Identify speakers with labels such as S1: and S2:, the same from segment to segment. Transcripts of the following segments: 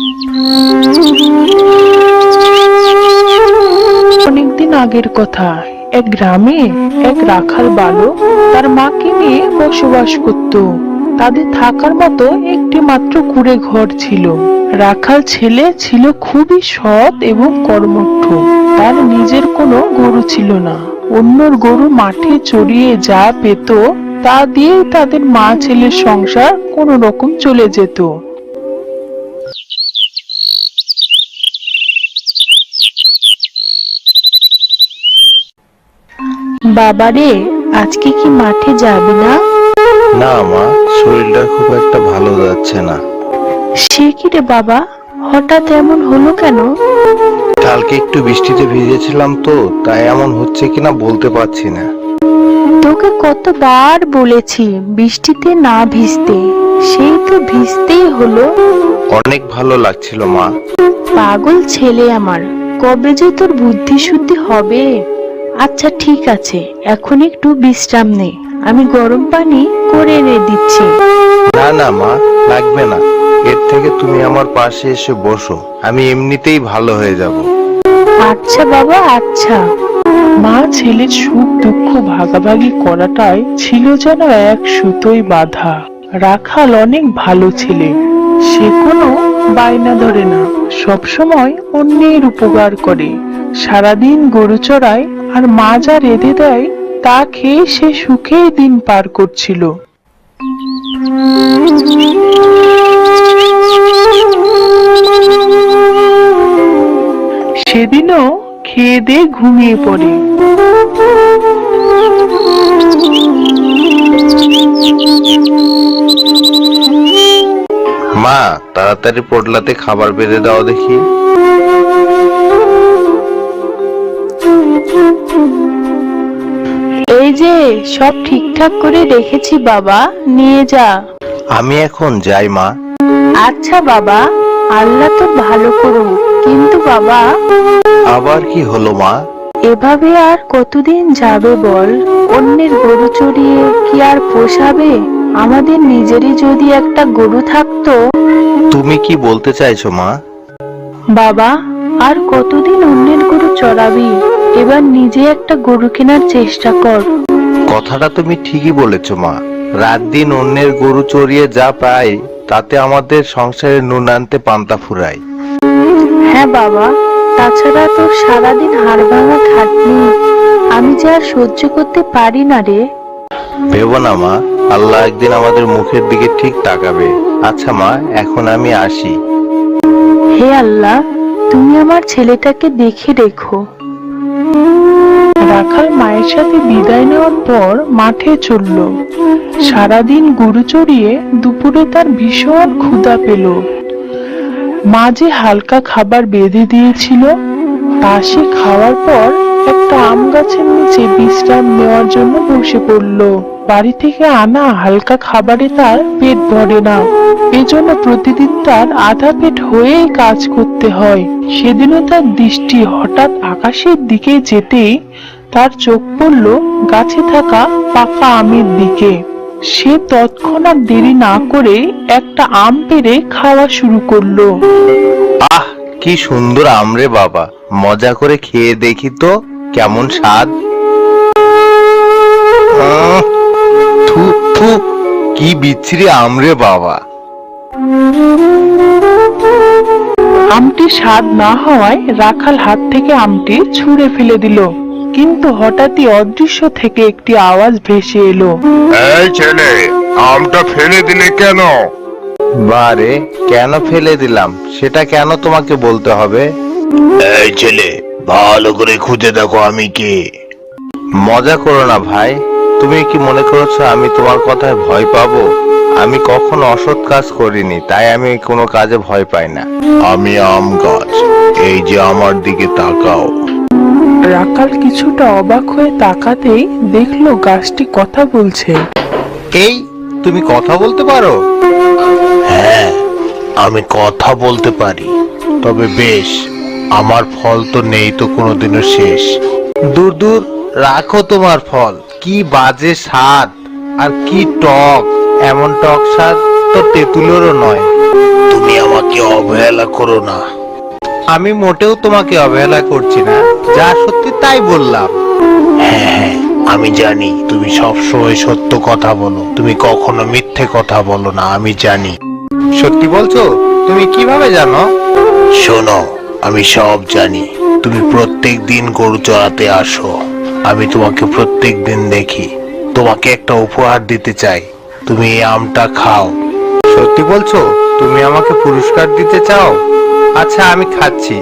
S1: অনেকদিন আগের কথা। এক গ্রামে এক রাখাল বালক তার মাকে নিয়ে বসবাস করত। তাদের থাকার মতো একটি মাত্র কুঁড়ে ঘর ছিল। রাখাল ছেলে ছিল খুবই সৎ এবং কর্মঠ। তার নিজের কোনো গরু ছিল না। অন্যর গরু মাঠে চড়িয়ে যা পেত তা দিয়েই তাদের মা ছেলের সংসার কোনো রকম চলে যেত। বাবারে, আজকে কি মাঠে যাবি না?
S2: না মা, শরীরটা খুব একটা ভালো যাচ্ছে না।
S1: সে কি রে বাবা, হঠাৎ এমন হলো কেন?
S2: কালকে একটু বৃষ্টিতে ভিজেছিলাম তো, তাই এমন হচ্ছে কিনা বলতে পারছি না।
S1: তোকে কতবার বলেছি বৃষ্টিতে না ভিজতে, সেই তো ভিজতেই হলো।
S2: অনেক ভালো লাগছিল মা।
S1: পাগল ছেলে আমার, কবে যে তোর বুদ্ধি শুদ্ধি হবে। আচ্ছা ঠিক আছে, এখন একটু বিশ্রাম নে, আমি গরম পানি করে এনে দিচ্ছি।
S2: না না মা, লাগবে না। এর থেকে তুমি আমার পাশে এসে বসো, আমি এমনিতেই ভালো হয়ে যাব।
S1: আচ্ছা বাবা, আচ্ছা। মা ছেলের সুখ দুঃখ ভাগাভাগি করাটাই ছিল যেন এক সুতোয় বাঁধা। রাখাল অনেক ভালো ছেলে। সে কোনো বায়না ধরে না, সবসময় অন্যের উপকার করে। সারাদিন গরু চড়ায় আর মা যা রেঁধে দেয় তা খেয়ে সে সুখেই দিন পার করছিল। সেদিনও খেয়ে দিয়ে ঘুমিয়ে পড়ে।
S2: মা, তাড়াতাড়ি পোটলাতে খাবার বেড়ে দাও দেখি।
S1: এই যে সব ঠিকঠাক করে রেখেছি বাবা, নিয়ে যা।
S2: আমি এখন যাই মা।
S1: আচ্ছা বাবা, আল্লাহ তো ভালো করুক, কিন্তু বাবা।
S2: আবার কি হলো মা?
S1: এভাবে আর কতদিন যাবে বল? অন্যের গরু চড়িয়ে কি আর পোষাবে? আমাদের নিজেরই যদি একটা গরু থাকতো।
S2: তুমি কি বলতে চাইছো মা?
S1: বাবা, আর কতদিন অন্যের গরু চড়াবি? এবার নিজে একটা গরু কেনার চেষ্টা কর।
S2: কথাটা তুমি ঠিকই বলেছো মা। রাত দিন অন্যের গরু চড়িয়ে যা পাই তাতে আমাদের সংসারে নুন আনতে পান্তা ফুরায়।
S1: হ্যাঁ বাবা, তাছাড়া তোর সারাদিন হাড় ভাঙা খাটনি আমি যে আর সহ্য করতে পারি না রে।
S2: ভেবো না মা, আল্লাহ একদিন আমাদের মুখের দিকে ঠিক তাকাবে। আচ্ছা মা, এখন আমি আসি।
S1: হে আল্লাহ, তুমি আমার ছেলেটাকে দেখে রেখো। রাখাল মায়ের সাথে বিদায় নেওয়ার পর মাঠে চলল। সারাদিন গরু চড়িয়ে দুপুরে তার ভীষণ ক্ষুধা পেল। মা যে হালকা খাবার বেঁধে দিয়েছিল তা সে খাওয়ার পর একটা আম গাছের নিচে বিশ্রাম নেওয়ার জন্য বসে পড়ল। বাড়ি থেকে আনা হালকা খাবারে তার পেট ভরে না, এজন্য প্রতিদিন তার আধা পেট হয়েই কাজ করতে হয়। সেদিনও তার দৃষ্টি হঠাৎ আকাশের দিকে যেতেই তার চোখ পড়ল গাছে থাকা পাকা আমের দিকে। সে তৎক্ষণাৎ দেরি না করে একটা আম পেড়ে খাওয়া শুরু করলো।
S2: আহ, কি সুন্দর আম রে বাবা, মজা করে খেয়ে দেখি তো কেমন স্বাদ। থু থু, কি বিচ্ছিরি আম রে বাবা।
S1: আমটি স্বাদ না হওয়ায় রাখাল হাত থেকে আমটি ছুঁড়ে ফেলে দিল, কিন্তু হঠাৎই অদৃশ্য থেকে একটি আওয়াজ ভেসে এলো।
S3: এই ছেলে, আমটা ফেলে দিলে কেন?
S2: বারে, কেন ফেলে দিলাম সেটা কেন তোমাকে বলতে হবে?
S3: এই ছেলে, ভালো করে খুঁজে দেখো আমি কে।
S2: মজা করো না ভাই। তুমি কি মনে করছো আমি তোমার কথায় ভয় পাবো? আমি কখনো অসৎ কাজ করিনি, তাই আমি কোনো কাজে ভয় পাই না।
S3: আমি আম গাছ, এই যে আমার দিকে তাকাও।
S1: রাখাল কিছুটা অবাক হয়ে তাকাতেই দেখলো গাছটি কথা বলছে।
S2: এই, তুমি কথা বলতে পারো?
S3: হ্যাঁ, আমি কথা বলতে পারি। তবে বেশ, আমার ফল তো নেই তো কোনোদিনও শেষ।
S2: দূর দূর, রাখো তোমার ফল। কি বাজে স্বাদ আর কি টক, এমন টক স্বাদ তো তেঁতুলেরও নয়।
S3: তুমি আমাকে অবহেলা করো না।
S2: আমি মোটেও তোমাকে অবহেলা করছি না, যা সত্যি তাই বললাম।
S3: হ্যাঁ হ্যাঁ, আমি জানি তুমি সবসময় সত্য কথা বলো, তুমি কখনো মিথ্যে কথা বলো না, আমি জানি।
S2: সত্যি বলছো? তুমি কিভাবে জানো?
S3: শোনো, আমি সব জানি। তুমি প্রত্যেক দিন গরু চড়াতে আসো, আমি তোমাকে প্রত্যেক দিন দেখি। তোমাকে একটা উপহার দিতে চাই, তুমি এই আমটা খাও।
S2: সত্যি বলছো? তুমি আমাকে পুরস্কার দিতে চাও? আচ্ছা, আমি খাচ্ছি।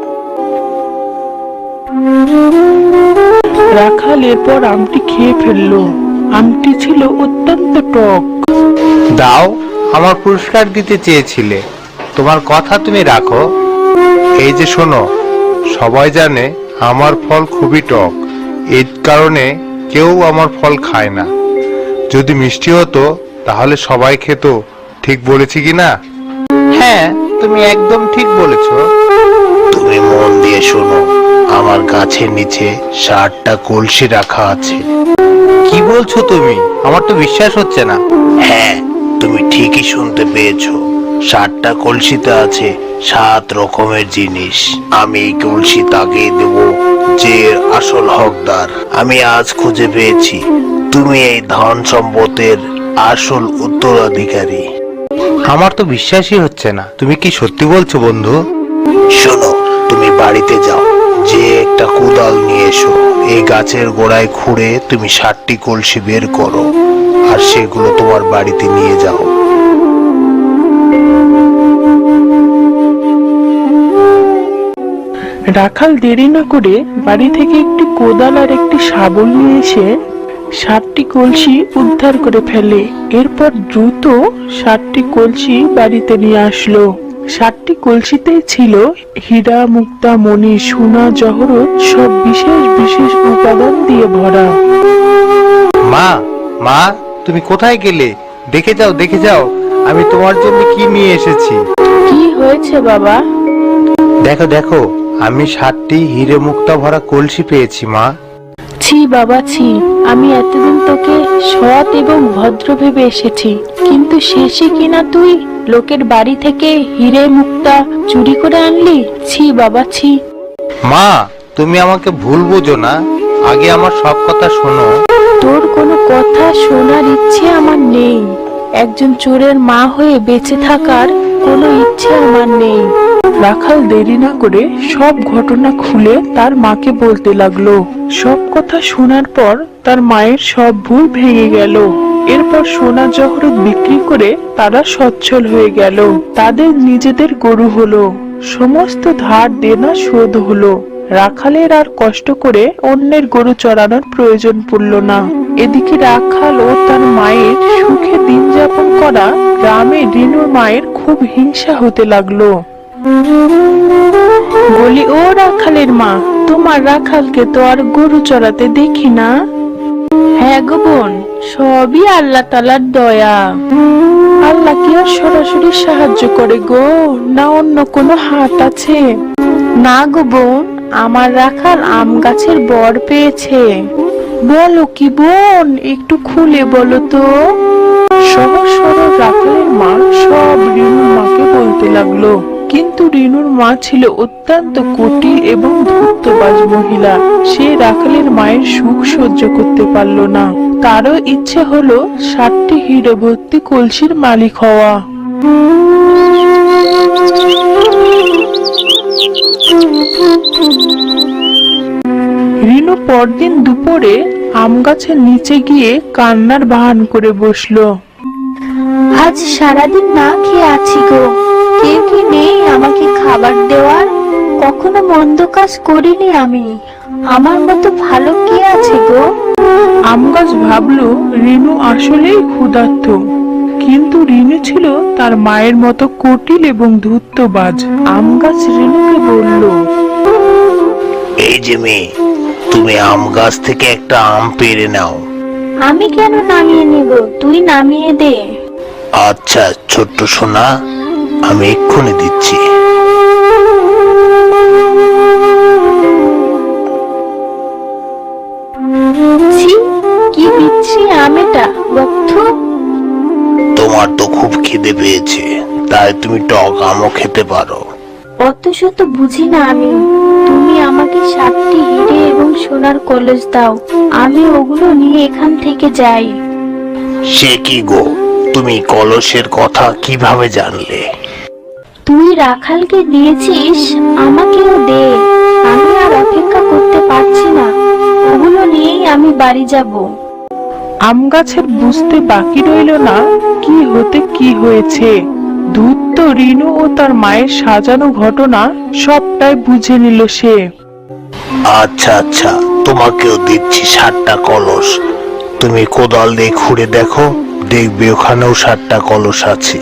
S1: রাখাল এরপর আমটি খেয়ে ফেললো। আমটি ছিল অত্যন্ত টক।
S2: দাও, আমার পুরস্কার দিতে চেয়েছিলে, তোমার কথা তুমি রাখো। এই যে শোনো, সবাই জানে আমার ফল খুবই টক, এই কারণে কেউ আমার ফল খায় না। যদি মিষ্টি হতো তাহলে সবাই খেত। ঠিক বলেছি কি না? হ্যাঁ, তুমি একদম ঠিক বলেছো।
S3: তুমি মন দিয়ে শোনো, আমার গাছের নিচে 60টা কলসি রাখা আছে।
S2: কি বলছো তুমি? আমার তো বিশ্বাস হচ্ছে না।
S3: হ্যাঁ, তুমি ঠিকই শুনতে পেয়েছো। 60টা কলসিতে আছে 7 রকমের জিনিস। আমি এই কলসি তাকে দেব যে এর আসল হকদার। আমি আজ খুঁজে পেয়েছি, তুমি এই ধন সম্পদের আসল উত্তরাধিকারী।
S2: আমার তো বিশ্বাসই হচ্ছে না। তুমি কি সত্যি বলছো বন্ধু?
S3: শোনো, তুমি বাড়িতে যাও, যে একটা কোদাল নিয়ে এসো। এই গাছের গোড়ায় খুঁড়ে তুমি 60টি কলসি বের করো, আর সেগুলো তোমার বাড়িতে নিয়ে যাও।
S1: রাখাল দেরি না করে বাড়ি থেকে একটি কোদাল আর একটি শাবল নিয়ে এসে 7টি কলসি উদ্ধার করে ফেলে। এরপর দ্রুত 7টি কলসি বাড়িতে নিয়ে আসলো। 7টি কলসিতেই ছিল হীরা, মুক্তা, মণি, সোনা, জহরত সব বিশেষ বিশেষ উপাদান দিয়ে ভরা।
S2: মা, মা, তুমি কোথায় গেলে? দেখে যাও, দেখে যাও, আমি তোমার জন্য কি নিয়ে এসেছি।
S1: কি হয়েছে বাবা?
S2: দেখো দেখো, আমি 7টি হিরে মুক্তা ভরা কলসি পেয়েছি মা।
S4: ছি বাবা ছি, আমি এতদিন তোকে সৎ এবং ভদ্র ভেবে এসেছি, কিন্তু শেষে কিনা তুই লোকের বাড়ি থেকে হিরে মুক্তা চুরি করে আনলি। ছি বাবা ছি।
S2: মা, তুমি আমাকে ভুল বুঝো না, আগে আমার সব কথা শোনো।
S4: তোর কোনো কথা শোনার ইচ্ছে আমার নেই। একজন চোরের মা হয়ে বেঁচে থাকার কোনো ইচ্ছে আমার নেই।
S1: রাখাল দেরি না করে সব ঘটনা খুলে তার মাকে বলতে লাগলো। সব কথা শোনার পর তার মায়ের সব ভুল ভেঙে গেল। এরপর সোনা জহরত বিক্রি করে তারা সচ্ছল হয়ে গেল। তাদের নিজেদের গরু হলো, সমস্ত ধার দেনা শোধ হলো। রাখালের আর কষ্ট করে অন্যের গরু চড়ানোর প্রয়োজন পড়ল না। এদিকে রাখাল ও তার মায়ের সুখে দিন যাপন করা গ্রামে রিনুর মায়ের খুব হিংসা হতে লাগলো। বলি, ও রাখালের মা, তোমার রাখালকে তো আর গরু চড়াতে দেখি না।
S4: হ্যাঁ গো বোন, সবই আল্লাহ তাআলার দয়া।
S1: আল্লাহ কি আর সরাসরি সাহায্য করে গো, না অন্য কোনো হাত আছে?
S4: না গো বোন, আমার রাখাল আম গাছের বর পেয়েছে।
S1: বলো কি বোন, একটু খুলে বলো তো। সহজ সরল রাখালের মা সব রিনুর মাকে বলতে লাগলো। কিন্তু রিনুর মা ছিল অত্যন্ত কুটিল এবং ধূর্তবাজ মহিলা। সে রাখালের মায়ের সুখ সহ্য করতে পারল না। তারও ইচ্ছে হলো 7টি হিরে ভর্তি কলসির মালিক হওয়া। রিনু পরদিন দুপুরে আম গাছের নিচে গিয়ে কান্নার বাহান করে বসলো।
S4: আজ সারাদিন না খেয়ে আছি গো, কেউ কি নেই আমাকে খাবার দেওয়ার? কখনো মন্দ কাজ করিনি আমি, আমার মতো ভালো কে আছে গো?
S1: আম গাছ ভাবলো রিনু আসলেই ক্ষুধার্ত, কিন্তু রিনু ছিল তার মায়ের মতো কুটিল এবং ধূর্তবাজ। আম গাছ রিনুকে বলল,
S3: এই যে মেয়ে, তুমি আম গাছ থেকে একটা আম পেড়ে নাও।
S4: আমি কেন নামিয়ে নিব, তুই নামিয়ে দে।
S3: আচ্ছা ছোট্ট সোনা, আমি এক্ষুনি দিচ্ছি।
S4: ছি, কি বিচ্ছি আম এটা, বক্থ।
S3: তোমার তো খুব খিদে পেয়েছে, তাই তুমি টক আমও খেতে পারো।
S4: অত শত বুঝি না আমি। তুমি আমাকে 7টি হিরে এবং সোনার কলস দাও, আমি ওগুলো নিয়ে এখান থেকে যাই।
S3: সে কি গো, তুমি কলসের কথা কিভাবে জানলে?
S4: তুই রাখালকে দিয়েছিস, আমাকেও দে। আমি আর অপেক্ষা করতে পারছি না, ওগুলো নিয়েই আমি বাড়ি যাব।
S1: আম গাছের বুঝতে বাকি রইল না কি হতে কি হয়েছে। ধূর্ত রিনু ও তার মায়ের সাজানো ঘটনা সবটাই বুঝে নিল সে।
S3: আচ্ছা আচ্ছা, তোমাকেও দিচ্ছি 7টা কলস। তুমি কোদাল দিয়ে খুঁড়ে দেখো, দেখবে ওখানেও 7টা কলস আছে।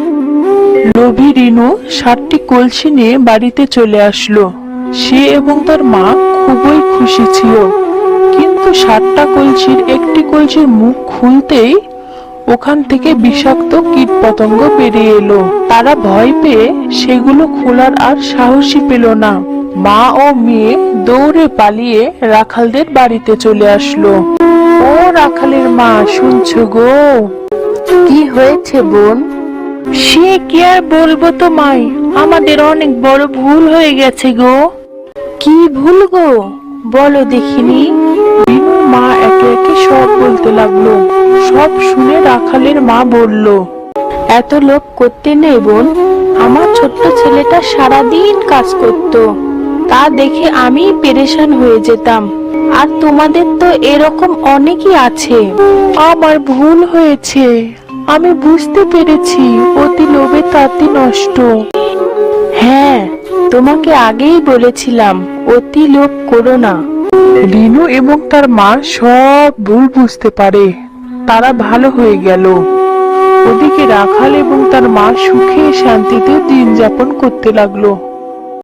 S1: লোভী রিনু 7টি কলসি নিয়ে বাড়িতে চলে আসলো। সে এবং তার মা খুবই খুশি ছিল, কিন্তু 7টা কলসির একটি কলসির মুখ খুলতেই ওখান থেকে বিষাক্ত কীটপতঙ্গ বেরিয়ে এলো। তারা ভয় পেয়ে সেগুলো খোলার আর সাহসী পেল না। মা ও মেয়ে দৌড়ে পালিয়ে রাখালদের বাড়িতে চলে আসলো। ও রাখালের মা, শুনছো গো?
S4: কি হয়েছে বোন?
S1: সে কি আর বলবো তোমায়, আমাদের অনেক বড় ভুল হয়ে গেছে গো।
S4: কি ভুল গো, বলো দেখিনি।
S1: বিনুর মা একে একে সব বলতে লাগলো। সব শুনে রাখালের মা বলল,
S4: এত লোভ করতে নেই বোন। আমার ছোট্ট ছেলেটা সারাদিন কাজ করত, তা দেখে আমি পেরেশান হয়ে যেতাম। আর তোমাদের তো এরকম অনেকই আছে।
S1: আমার ভুল হয়েছে, আমি বুঝতে পেরেছি অতি লোভে তাতি নষ্ট।
S4: হ্যাঁ, তোমাকে আগেই বলেছিলাম অতি লোভ করো না।
S1: রিনু এবং তার মা সব ভুল বুঝতে পারে, তারা ভালো হয়ে গেল। ওদিকে রাখাল এবং তার মা সুখে শান্তিতে দিন যাপন করতে লাগলো।